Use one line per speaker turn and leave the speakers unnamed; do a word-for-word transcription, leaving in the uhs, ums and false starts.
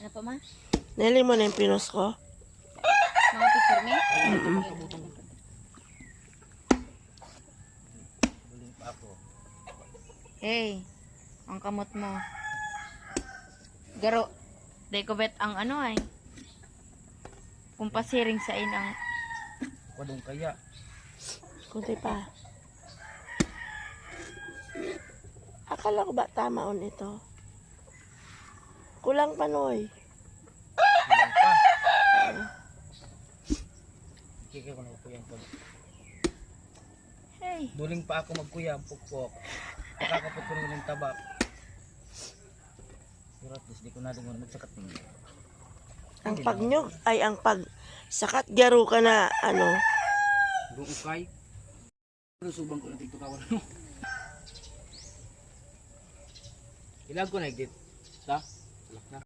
Ano pa ma?
Nili mo na yung pinos ko?
Mga picture me?
Mm-mm.
Buling pa ako.
Hey, ang kamot mo. Garo. Day ko bet ang ano ay. Kung pasiring sa inang.
Kwadong kaya.
Kunti pa. Akala ko ba tama on ito? Kulang pa, Noy.
Buling pa. Kikaya ko na upuyang ko.
Hey.
Duling pa ako magkuya, pukpok. Nakakapot ko rin ng tabak. Pero at least di ko na dingon magsakat ninyo.
Ang pagnyog ay ang pag sakat garo ka na ano.
Doon ukay. Pero subang ko na dito kawan. Ilag ko na edit. Ta? Alak na.